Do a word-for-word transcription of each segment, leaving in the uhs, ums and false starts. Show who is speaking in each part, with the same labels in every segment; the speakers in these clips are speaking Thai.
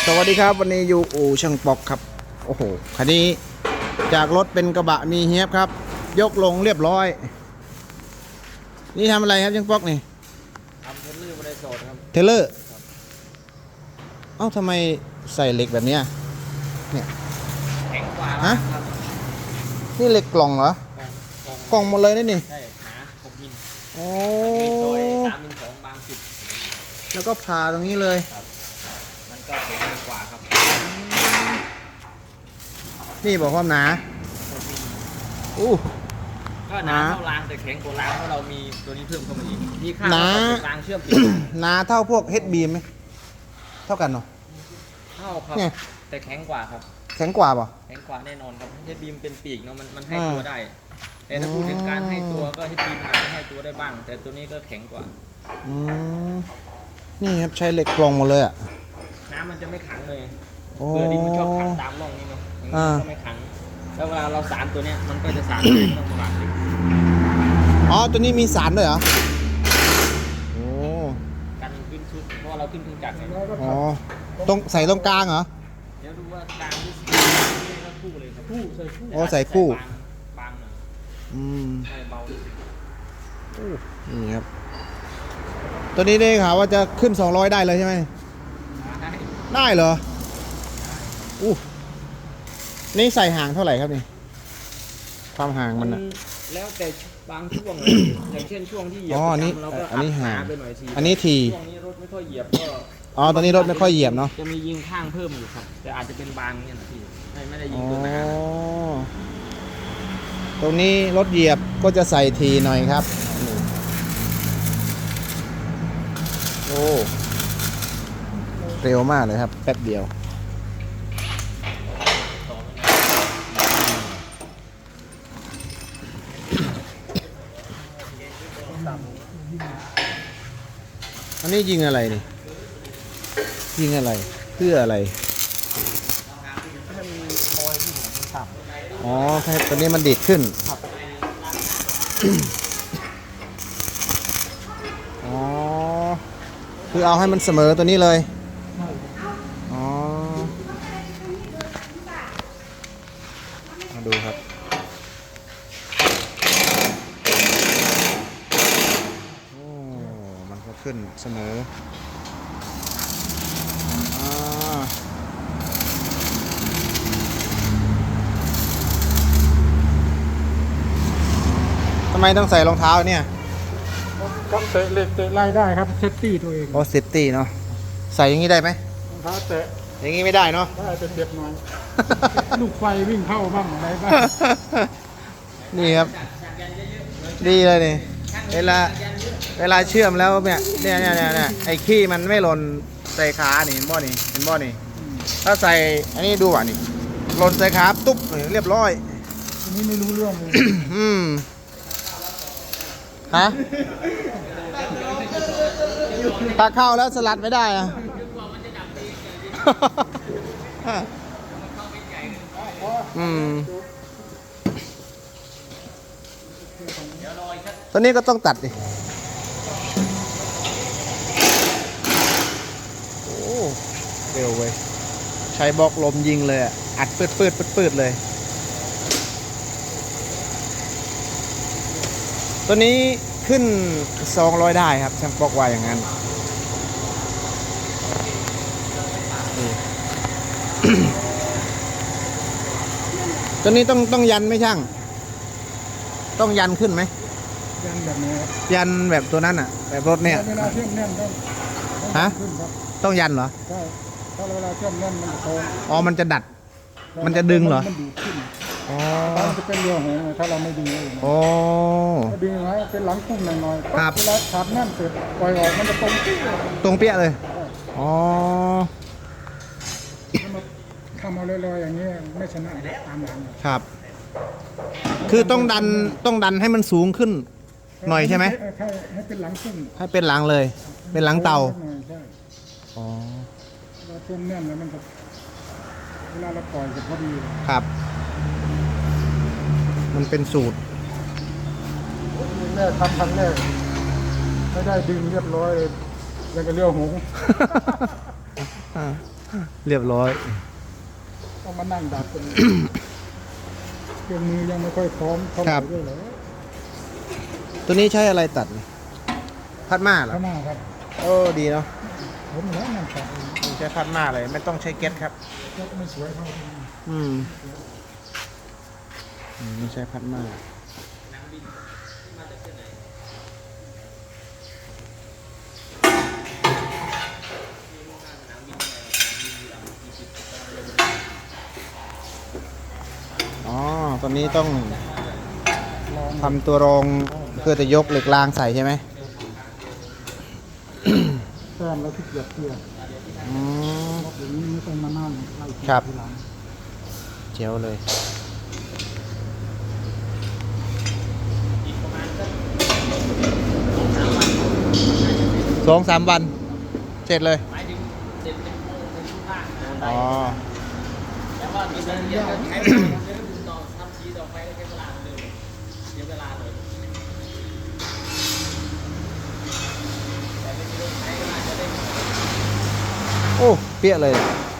Speaker 1: สวัสดีครับวันนี้อยู่อู่ช่างปอกครับโอ้โหคันนี้จากรถเป็นกระบะมีเฮียบครับยกลงเรียบร้อยนี่ทำอะไรครับช่างปอกนี่
Speaker 2: ทำเทเลอร์บริโภคครับ
Speaker 1: เทเลอร์เอ้าทำไมใส่เหล็กแบบนี้เนี่ย
Speaker 2: แข็งกว่า
Speaker 1: ฮะ
Speaker 2: ครับ
Speaker 1: นี่เหล็กกล่องเหรอ กล่องหมดเลยนี่นี่
Speaker 2: ใช่หนาหกมิล
Speaker 1: โอ้
Speaker 2: มีซอยสามมิลสองบางสิบ
Speaker 1: แล้วก็ผ่าตรงนี้เลย
Speaker 2: ครับมันก็แข็งกว่าครับ
Speaker 1: นี่บอกความหนาอู้
Speaker 2: ก็หนาเท่ารางแต่แข็งกว่ารางเพราะเรามีตัวนี้เพิ่มเข้ามาอีกมีค่า
Speaker 1: หนา
Speaker 2: รางเชื่อมติด
Speaker 1: หนาเท่าพวกเฮดบีมไหมเท่ากันเนาะ
Speaker 2: เท่าครับแต่แข็งกว่าครับ
Speaker 1: แข็งกว่าป่ะ
Speaker 2: แข็งกว่าแน่นอนครับเฮดบีมเป็นปีกเนาะมันมันให้ตัวได้แต่ถ้าพูดถึงการให้ตัวก็เฮดบีมอาจจะให้ตัวได้บ้าง แต่ตัวนี้ก็แข็งกว่า
Speaker 1: อืมนี่ครับใช้เหล็กกลองหมดเลยอ่ะ
Speaker 2: น้ำมันจะไม่ขังเลยเกลือดินมันชอบขังตามร่องนี้เนาะอย่างนี้ก็ไม่ขังแล้วเวลาเราสารตัวเนี้ยมันก็จะสารไม่ต้องประมาทเลย
Speaker 1: อ๋อตัวนี้มีสารด้วยเหรอโอ้
Speaker 2: กันขึ้นชุดเพราะเราขึ้นเครื่องจักรไง
Speaker 1: อ๋อตรงใส่ตรงกลางเหรอ
Speaker 2: เดี๋ยวดูว่ากลางที่สี่ก็คู่เลยครับคู่ใส่คู่
Speaker 1: อ๋อใส่คู่
Speaker 2: บางหน่อย
Speaker 1: อืม
Speaker 2: ใส่เบา
Speaker 1: นี่ครับตัวนี้ได้ข่าวว่าจะขึ้นสองร้อยได้เลยใช่ไหมได้เหรออู้นี่ใส่ห่างเท่าไหร่ครับนี่ความห่างมันอะ
Speaker 2: แล้วแต่บางช่วงอย่างเช่นช่วงที่เหยียบเราก็อั
Speaker 1: นนี้ห่าง
Speaker 2: ไปหน่อยที
Speaker 1: อันนี้ที
Speaker 2: ช่วงนี้รถไม่ค่อยเหยียบก็
Speaker 1: อ๋อตอนนี้รถไม่ค่อยเหยียบเนาะ
Speaker 2: จะมียิงข้างเพิ่มอยู่ครับแต่อาจจะเป็นบางเนี่ยนะพี่ไม่ไม่ได้ยิงตัวหนา
Speaker 1: ตรงนี้รถเหยียบก็จะใส่ทีหน่อยครับโอ้เร็วมากเลยครับแป๊บเดียวอันนี้ยิงอะไรนี่ยิงอะไรเพื่ออะไรอ๋อแค่ตัวนี้มันดีดขึ้นอ๋อคือเอาให้มันเสมอตัวนี้เลยอ๋อมาดูครับโอ้มันก็ขึ้นเสมอทำไมต้องใส่รองเท้าเนี่ย
Speaker 3: ต้องเตะเหล็กเตะไล่ได้ครับเซฟตี้ตัวเอง
Speaker 1: โอ้เซฟตี้เนาะใส่อย่างนี้ได้ไหม
Speaker 3: รองเท้าเตะ
Speaker 1: อย่างนี้ไม่ได้เนาะ
Speaker 3: ได้เป็นเจ็บหน่อยลูกไฟวิ่งเข้าบ้างอะไรบ้าง
Speaker 1: นี่ครับดีเลยนี่เวลาเวลาเชื่อมแล้วเนี่ยเนี่ยเนี่ยเนี่ยไอ้ขี้มันไม่หล่นใส่ขานี่เห็นบ่นี่เห็นบ่นี่ถ้าใส่อันนี้ดูอ่ะนี่หล่นใส่ขาตุ๊บเรียบร้อย
Speaker 3: อันนี้ไม่รู้เรื่องเลย
Speaker 1: อืมฮะถ้าเข้าแล้วสลัดไม่ได้อะอืมตัวนี้ก็ต้องตัดดิโอ้เร็วเว้ยใช้บล็อกลมยิงเลยอ่ะอัดปืดปืดปืดปืดเลยตัวนี้ขึ้นสองร้อยได้ครับช่างบอกว่าอย่างนั้นตัวนี้ต้องต้องยันไหมช่างต้องยันขึ้นไหม
Speaker 3: ยันแบบนี้
Speaker 1: ยันแบบตัวนั้นอ่ะแบบรถเนี่ย
Speaker 3: เวลาเชื่อมแน่นต้อง
Speaker 1: ฮะต้องยันเหรอ
Speaker 3: ใช่ถ้าเวลาเชื่อมแน่นมันจะโต
Speaker 1: อ๋อมันจะดัดมันจะดึงเหรอ
Speaker 3: มันดูดขึ้น
Speaker 1: อ๋อ
Speaker 3: มันจะเป็นเรือหงถ้าเราไม่ดึงเลย
Speaker 1: โอ้
Speaker 3: ดึงไว้เป็นหลังคุ้มหน่อย
Speaker 1: ๆครับ
Speaker 3: เวลาขาดแน่นเสร็จปล่อยออกมันจะตรง
Speaker 1: ตรงเปี้ยเลยอ๋อ
Speaker 3: ทำเอาลอยๆอย่างนี้ไม่ชนะตามหลัง
Speaker 1: ครับคือต้องดันต้องดันให้มันสูงขึ้นหน่อยใช่ไหม
Speaker 3: ให้เป็นหลังขึ้น
Speaker 1: ให้เป็นหลังเลยเป็นหลังเตาอ๋อ
Speaker 3: เราเชื่อมแน่นแล้วมันจะเวลาเราปล่อยจะพอดี
Speaker 1: ครับมันเป็นสูตร
Speaker 3: แม่ทำครั้งแรกไม่ได้ดึงเรียบร้อยแล้วก็เลี้ยวหง
Speaker 1: เรียบร้อย
Speaker 3: ต้องมานั่งดัดกันเครื่องมือยังไม่ค่อยพร้อมเท่าไห
Speaker 1: ครั
Speaker 3: ร่
Speaker 1: บ
Speaker 3: ด้วยเหรอ
Speaker 1: ตัวนี้ใช้อะไรตัดนี่พัดมาเหรอ
Speaker 3: ข้างหน้าครับ
Speaker 1: โอ้ดีเนาะ
Speaker 3: ผมแล้วนั่งตัดเอง
Speaker 1: ใช้พัดมาเลยไม่ต้องใช้เก็ตครับ
Speaker 3: แล้วก็ไม่สวยเท่าที่
Speaker 1: อืมอืมไม่ใช่พัดมาอ๋อตอนนี้ต้อง
Speaker 3: ลอง
Speaker 1: ทำตัวรองเพื่อจะยกเหล็กรางใส่ใช่ไหม
Speaker 3: แต้มแล้วที่เกียบเกียบ
Speaker 1: อืม
Speaker 3: อย่างนี้ไม่ต้องมานั่งไล่เกีย
Speaker 1: ครับ
Speaker 3: ทีหลัง
Speaker 1: เจ๋วเลย สองสามวัน เสร็จเลย
Speaker 2: หมายถึงเสร็จเป็นเป็นทุกข้างนะบันได
Speaker 1: อ๋อ
Speaker 2: แล้วก็มีเดินเรียนก็ใช้เวลาเดินต่อทำสีต่อไปก็ใช้เวลาเหมือนเดิมเสียเวลาเลยแต่ไม่มีรถใช้ก็อาจจะได้
Speaker 1: โอ้เปี้ยเลย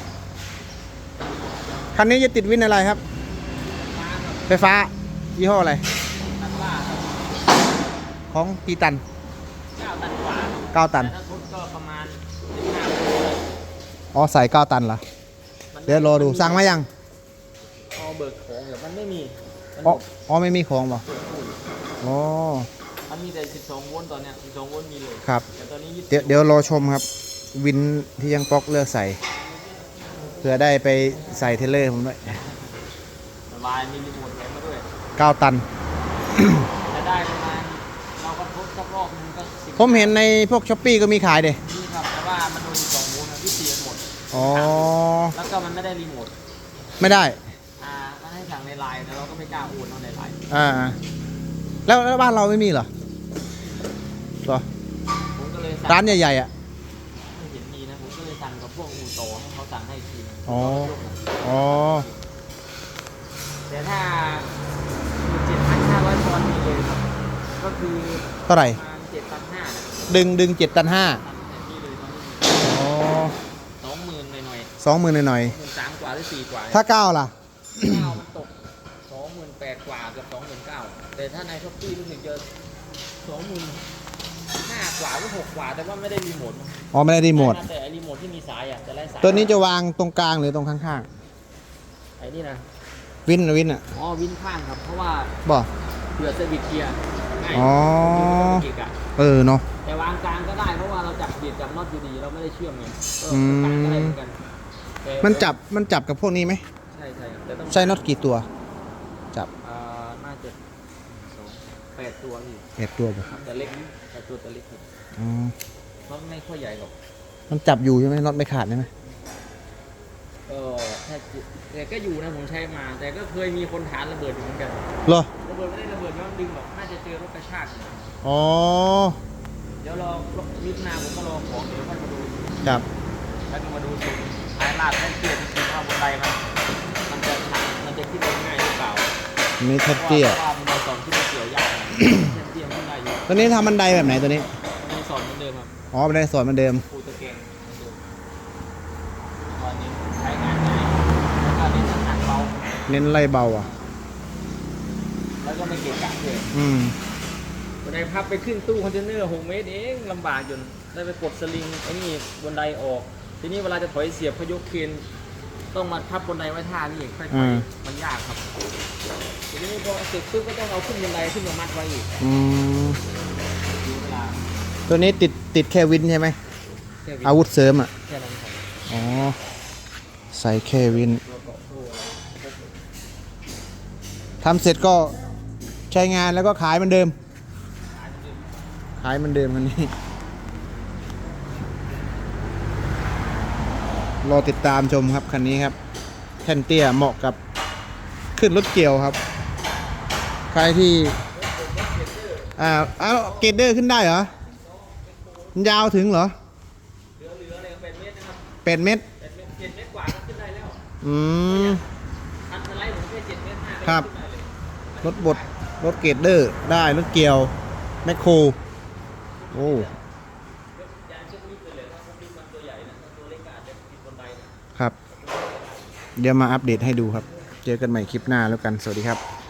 Speaker 1: คันนี้จะติดวินอะไรครับ
Speaker 2: มาครับ
Speaker 1: ไฟฟ้า ยี่ห้ออะไร
Speaker 2: ตันว่าครับ
Speaker 1: ของกี่ตัน
Speaker 2: เก้าตันกว่าครับ
Speaker 1: เก้าตัน
Speaker 2: แต่ถ้าทุนก็ประมาณสิบห้าโลเลย
Speaker 1: อ๋อ ใส่เก้าตันเหรอ
Speaker 2: มัน
Speaker 1: เดี๋ยวรอดู สั่งมายัง
Speaker 2: พอเบิกของเดี๋ยวมันไม่มีมัน
Speaker 1: อ๋อ อ๋อ ไม่มีของบ่อ๋อ
Speaker 2: มันมีแต่สิบสองโวลต์ตอนเนี้ยสิบสองโวลต์มีเลย
Speaker 1: ครับ
Speaker 2: แต่ตอนนี้ยี่สิบ
Speaker 1: เดี๋ยวเดี๋ยวรอชมครับ วินที่ยังป๊อกเลือกใส่ เพื่อได้ไปใส่เทรลเลอร์ผมด้วย
Speaker 2: สบายมีรีโมทแถมมาด้วย
Speaker 1: เก้าตัน
Speaker 2: จะได้ประมาณเราก็ทดสักรอบนึงก็สิบ
Speaker 1: ผมเห็นในพวกช้อปปี้ก็มีขายเด้
Speaker 2: นี่ครับแต่ว่ามันโดนสิบสองโวลต์นะที่เสียหมด
Speaker 1: อ๋อ
Speaker 2: แล้วก็มันไม่ได้รีโมท
Speaker 1: ไม่ได้
Speaker 2: อ่ามันให้สั่งในไลน์แต่เราก็ไม่กล้าโอนเอาในไลน์
Speaker 1: อ่า แล้วแล้วบ้านเราไม่มีเหรอเหรอ
Speaker 2: ผมก็เลยสั่ง
Speaker 1: ร้านใหญ่ๆอ่ะ
Speaker 2: ไม่เห็นมีนะผมก็เลยสั่งกับพวกอู่โตให้เขาสั่งให้อีกทีนึง
Speaker 1: อ๋อ อ๋อ
Speaker 2: แต่ถ้าเจ็ดพันห้าร้อยปอนด์มีเลยครับก็คือ
Speaker 1: เท่าไหร่
Speaker 2: ประมาณเจ็ดพันห้านะ
Speaker 1: ดึงดึงเจ็ดตันห้า
Speaker 2: ทำนี่เลยตอนนี้
Speaker 1: อ๋อ
Speaker 2: สองหมื่นหน่อย
Speaker 1: สองหมื่นหน่อย
Speaker 2: ๆหมื่นสามกว่าหรือสี่กว่า
Speaker 1: ๆถ้าเก้าล่ะ
Speaker 2: เก้ามันตกสองหมื่นแปดกว่าเกับสองหมื่นเก้าแต่ถ้าในช้อปปี้รู้สึกจะสองหมื่นห้ากว่าหรือหกกว่าแต่ว่าไม่ได้รีโมทนะ
Speaker 1: อ๋อ ไม่ได้รีโมท
Speaker 2: แต่ไอ้รีโมทที่มีสายอ่ะจะไล่สาย
Speaker 1: ตัวนี้จะวางตรงกลางหรือตรงข้าง
Speaker 2: ไอ้นี่นะ
Speaker 1: ๆ วินวินอ่ะ
Speaker 2: อ๋อวินข้างครับเพราะว่า
Speaker 1: บ่
Speaker 2: เผื่อเซอร์วิสเกียร์ง่าย
Speaker 1: อ๋อ
Speaker 2: เกียร์อะ
Speaker 1: เออเนาะ
Speaker 2: แต่วางกลางก็ได้เพราะว่าเราจับเบียดจับน็อตอยู่ดีเราไม่ได้เชื่อมไงก็
Speaker 1: อืม
Speaker 2: กลางก็ได้เหมือนกันแต่
Speaker 1: มันจับ มันจับกับพวกนี้ไหม
Speaker 2: ใช่ใช่แต่ต้อง
Speaker 1: ใช้น็อตกี่ตัว จับ
Speaker 2: อ่าน่าจะสองแปดตัวอยู่
Speaker 1: แปดตัวบ่
Speaker 2: ครับแต่เล็กแต่ตัวแต่เล็กครับ
Speaker 1: อ๋อ
Speaker 2: น็อตไม่ค่อยใหญ่หรอก
Speaker 1: มันจับอยู่ใช่ไหมน็อตไม่ขาดใช่ไหม
Speaker 2: เออถ้าแต่ก็อยู่นะผมใช้มา แต่ก็เคยมีคนฐานระเบิดอยู่เหมือนกัน
Speaker 1: เหรอ
Speaker 2: ระเบิดไม่ได้ระเบิดย้อนดึงหรอกน่าจะเจอรถกระชากอยู่
Speaker 1: อ๋อ
Speaker 2: เดี๋ยวรอมิถุนาผมก็รอของเดี๋ยวค่อยมาดู
Speaker 1: ครับ
Speaker 2: แล้วก็มาดูตรงท้ายลาดแท่นเตี้ยจริงๆว่าบนไดมันมันจะชันมันจะขึ้นได้ง่ายหรือเปล่า
Speaker 1: อันนี้แท็บเตี้ย
Speaker 2: พราะว่ามันสอนที่มันเกี่ยวยากแท่นเตี้ยขึ้นได้อยู่
Speaker 1: ตัวนี้ทำบันไดแบบไหนตัวนี้
Speaker 2: มันสอนเหมือนเดิมครับ
Speaker 1: อ๋อบันไดสวนเหมือนเดิม
Speaker 2: ปูตะแกรงเหมือนเดิมตอนนี้ใช้งานง่ายแล้วก็เน้นน้ำหนักเบา
Speaker 1: เน้นไล่เบาอ่ะ
Speaker 2: แล้วก็ไม่เกะกะเลย
Speaker 1: อืม
Speaker 2: บันไดพับไปขึ้นตู้คอนเทนเนอร์หกเมตรเองลำบากจนได้ไปกดสลิงไอ้นี่บันไดออก ทีนี้เวลาจะถอยเสียบพยกเคนต้องมาพับบันไดไว้ท่านี่ค่อย
Speaker 1: อืม
Speaker 2: ๆมันยากครับทีนี้พอเสร็จปุ๊บก็ต้องเอาขึ้นบันไดขึ้นมามัดไว้อีก
Speaker 1: อืม
Speaker 2: ดูเวลา
Speaker 1: ตัวนี้ติดติดแค่วินใช่ไหม
Speaker 2: แค่วิ
Speaker 1: อาวุธเสริมอ่ะ
Speaker 2: แค่นั้นครับ
Speaker 1: อ๋อ ใส่แค่วิน
Speaker 2: ตัวเกาะโซ่อะไรครบหมด
Speaker 1: ทำเสร็จก็ใช้งานแล้วก็ขายเหมือนเดิม
Speaker 2: ขายเหมือนเดิม
Speaker 1: ขายเหมือนเดิมคันนี้ รอติดตามชมครับคันนี้ครับแท่นเตี้ยเหมาะกับขึ้นรถเกี่ยวครับ ใครที่ อ่าเอาเกรดเดอร์ขึ้นได้เหรอ มันยาวถึงเหรอ
Speaker 2: เหลือเหลืออะไรแปดเมตรนะครับ
Speaker 1: แปดเมตร
Speaker 2: แปดเมตรเจ็ดเมตรกว่าก็ขึ้นได้แล้ว
Speaker 1: อืม
Speaker 2: คันสไลด์ผมแค่เจ็ดเมตรห้าก็
Speaker 1: ครับ
Speaker 2: ขึ้นได้เลย
Speaker 1: รถบดรถเกรดเดอร์ได้ รถเกี่ยว แมคโคร โอ้
Speaker 2: ยางเชือกลิฟต์เลยเลยถ้าพวกลิฟต์มันตัวใหญ่นะถ้าตัวเล็กก็อาจจะติดบนไดนะ
Speaker 1: ครับ เดี๋ยวมาอัปเดตให้ดูครับ เจอกันใหม่คลิปหน้าแล้วกัน สวัสดีครับ